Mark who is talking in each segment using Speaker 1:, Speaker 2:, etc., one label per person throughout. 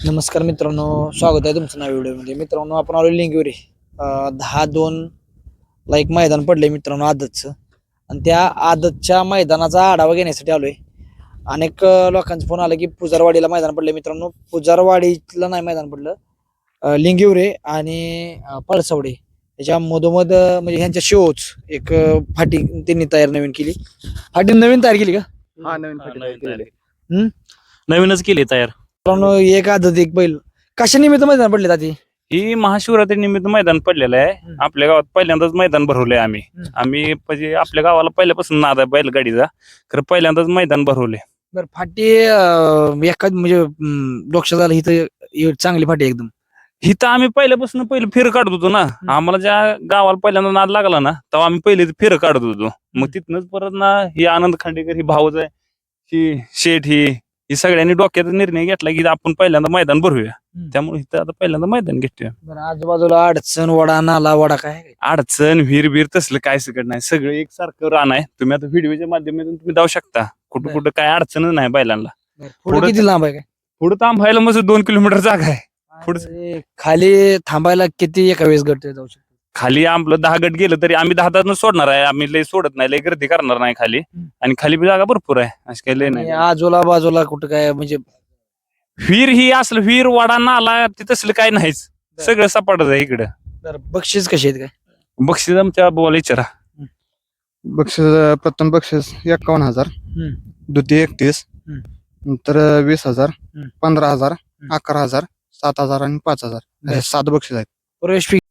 Speaker 1: नमस्कार मित्रांनो, स्वागत आहे तुमचं नव्या व्हिडिओमध्ये. मित्रांनो, आपण आलो लिंगविरे 10-2 ला एक मैदान पडलंय मित्रांनो आदतचं, आणि त्या आदतच्या मैदानाचा आढावा घेण्यासाठी आलोय. अनेक लोकांचा फोन आला की पुजारवाडीला मैदान पडलंय. मित्रांनो, पुजारवाडीला नाही मैदान पडलं, लिंगिवरे आणि पळसवडे याच्या मधोमध म्हणजे ह्यांच्या शोच एक फाटी त्यांनी नवीन केली. फाटी नवीन तयार केली का?
Speaker 2: हा नवीन फाटी तयार केलेली.
Speaker 3: नवीनच केली तयार.
Speaker 1: मित्रांनो, एक आदत एक बैल कशा निमित्त मैदान पडले जाते?
Speaker 3: ही महाशिवरात्री निमित्त मैदान पडलेलं आहे. आपल्या गावात पहिल्यांदाच मैदान भरवलंय आम्ही म्हणजे आपल्या गावाला पहिल्यापासून नाद आहे बैलगाडीचा, खरं पहिल्यांदाच मैदान भरवले.
Speaker 1: बरं, फाटी एखाद म्हणजे लक्षात आलं इथं चांगली फाटी एकदम.
Speaker 3: इथं आम्ही पहिल्यापासून पहिले फेर काढत होतो ना. आम्हाला ज्या गावाला पहिल्यांदा नाद लागला ना तेव्हा आम्ही पहिले फेर काढत होतो. मग तिथनच परत ना ही आनंद खांडेकर, ही भाऊच आहे, ही शेठ, ही सगळ्यांनी डोक्यात निर्णय घेतला की आपण पहिल्यांदा मैदान भरूया. त्यामुळे इथं आता पहिल्यांदा मैदान घेतोय.
Speaker 1: बरं, आजूबाजूला अडचण वडा नाला वडा काय आहे?
Speaker 3: अडचण विहीर तसलं काय सगळं नाही, सगळं एकसारखं रान आहे. तुम्ही आता व्हिडिओच्या माध्यमातून तुम्ही जाऊ शकता, कुठं कुठं काय अडचण नाही बैलांना.
Speaker 1: पुढे किती लांब आहे काय?
Speaker 3: पुढं थांबायला मग 2 किलोमीटर जागा आहे.
Speaker 1: आणि खाली थांबायला किती एका वेळेस गट जाऊ शकतो?
Speaker 3: खाली आपलं 10 गट गेलं तरी आम्ही 10 सोडणार आहे. आम्ही लय सोडत नाही, लय गर्दी करणार नाही खाली. आणि खाली बी जागा भरपूर आहे, असं काही लय नाही.
Speaker 1: आजूला बाजूला कुठं काय म्हणजे
Speaker 3: विहीर ही असलं विहीर वाडा नाला ते तसलं काय नाहीच, सगळं सपाटच आहे इकडं.
Speaker 1: बरं, बक्षीस कशी आहेत काय?
Speaker 3: बक्षीस आमच्या बोला विचारा.
Speaker 2: बक्षीस प्रथम बक्षीस 51,000, द्वितीय 31, नंतर 20,000, 15,000, 11,000, 7,000 आणि 5,000 हे 7 बक्षीस आहेत.
Speaker 1: प्रवेश फी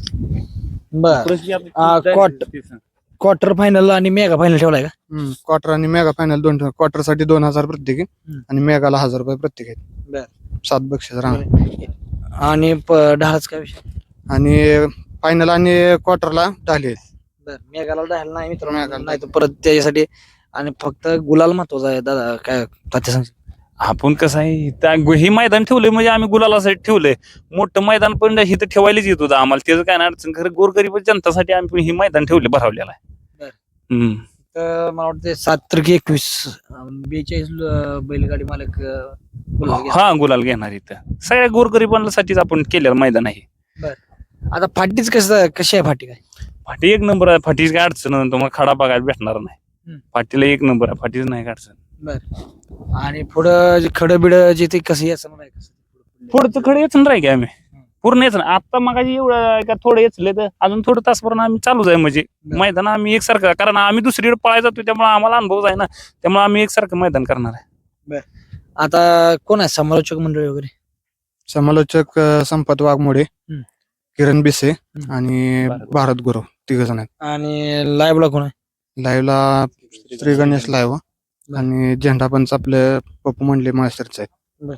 Speaker 1: क्वार्टर फायनल आणि मेगा फायनल ठेवलाय का?
Speaker 2: क्वार्टर आणि मेगा फायनल दोन. क्वार्टर साठी 2,000 प्रत्येकी आणि मेगाला 1,000 रुपये प्रत्येक आहेत. 7 बक्षीस राहणार.
Speaker 1: आणि ढाळच काय विषय?
Speaker 2: आणि फायनल आणि क्वार्टरला ढाली आहेत.
Speaker 1: बरं, मेगाला ढाल नाही मित्रांनो, नाही तर परत त्याच्यासाठी आणि फक्त गुलाल महत्वाचा आहे. दादा काय तात्या सांग?
Speaker 3: आपण कसं आहे, हे मैदान ठेवलंय म्हणजे आम्ही गुलालासाठी ठेवलंय. मोठं मैदान पण इथं ठेवायलाच येत होतं आम्हाला, त्याचं काय नाही अडचण. खरं गोरगरीब जनतासाठी आम्ही पण हे मैदान ठेवले, भरवलेलं आहे.
Speaker 1: तर मला वाटतं 7-21 42 बैलगाडी मालक गुलाल घेतात.
Speaker 3: हा, गुलाल घेणार इथं सगळ्या गोरगरिबांसाठीच आपण केलेलं मैदान आहे.
Speaker 1: आता फाटीच कशी आहे फाटी काय?
Speaker 3: फाटी एक नंबर आहे. फाटीच काय अडचण नाही, तुम्हाला खडा बघायला भेटणार नाही. फाटीला एक नंबर आहे, फाटीच नाही काय अडचण.
Speaker 1: बर, आणि पुढं खडं बिड जे ते कसं याचं मला
Speaker 3: पुढचं खडं येच नाही की आम्ही पूर्ण येत नाही. आता मग एवढं का थोडं येचले तर अजून थोडं तासभर आम्ही चालूच आहे. म्हणजे मैदान आम्ही एकसारखं, कारण आम्ही दुसरीकडे पळायला जातो त्यामुळे आम्हाला अनुभव आहे ना, त्यामुळे आम्ही एकसारखं मैदान करणार आहे.
Speaker 1: आता कोण आहे समालोचक मंडळी वगैरे?
Speaker 2: समालोचक संपत वाघमोडे, किरण बिसे आणि भारत गुरु 3 जण आहेत.
Speaker 1: आणि लाईव्हला कोण आहे?
Speaker 2: लाईव्हला श्री गणेश लाईव्ह आणि झेंडा पंच आपले पप्पू मंडले मास्टरचे आहेत.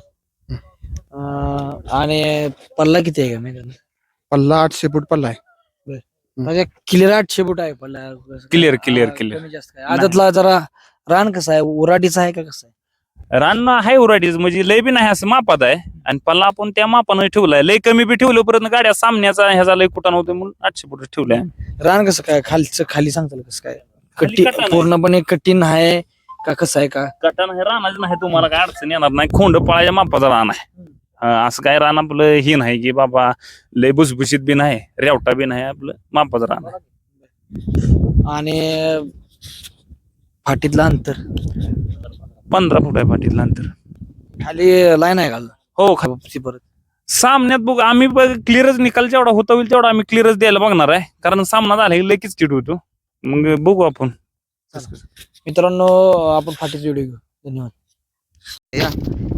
Speaker 1: आणि पल्ला किती आहे का मैदान?
Speaker 2: पल्ला 800 फूट पल्ला आहे.
Speaker 1: म्हणजे क्लिअर 800 फूट आहे पल्ला.
Speaker 3: क्लिअर.
Speaker 1: कमी जास्त काय? आदतला जरा रान कसं आहे, उराटीचं आहे का कसं आहे?
Speaker 3: रान आहे उराडीच, म्हणजे लय बी नाही असं मापात आहे. आणि पल्ला आपण त्या मापानं ठेवलाय. लय कमी बी ठेवलं, परत गाड्या सामन्याचा ह्याचा लय कुठं नव्हतं म्हणून 800 फूट ठेवलाय.
Speaker 1: रान कसं काय खाली सांगताल कसं काय?
Speaker 3: खाली कटान आहे.
Speaker 1: पूर्णपणे कठीण आहे का कसं आहे का?
Speaker 3: कटान हे रानाच नाही, तुम्हाला काय अडचण येणार नाही. खोंड पळायच्या मापाचा रान आहे. असं काय रान आपलं ही नाही की बाबा लय भुसभुशीत बी नाही, रेवटा बी नाही, आपलं मापाचं रान आहे.
Speaker 1: आणि फाटीतलं अंतर
Speaker 3: 15 फूट आहे फाटीतलं अंतर.
Speaker 1: खाली लाईन आहे घाल
Speaker 3: हो,
Speaker 1: परत
Speaker 3: सामन्यात बघ आम्ही क्लिअरच निकाल जेवढा होता होईल तेवढा आम्ही क्लिअरच द्यायला बघणार आहे, कारण सामना झाला की लगेच चिड होतो. मग बघू आपण.
Speaker 1: मित्रांनो, आपण फाटीचा व्हिडिओ घेऊ. धन्यवाद.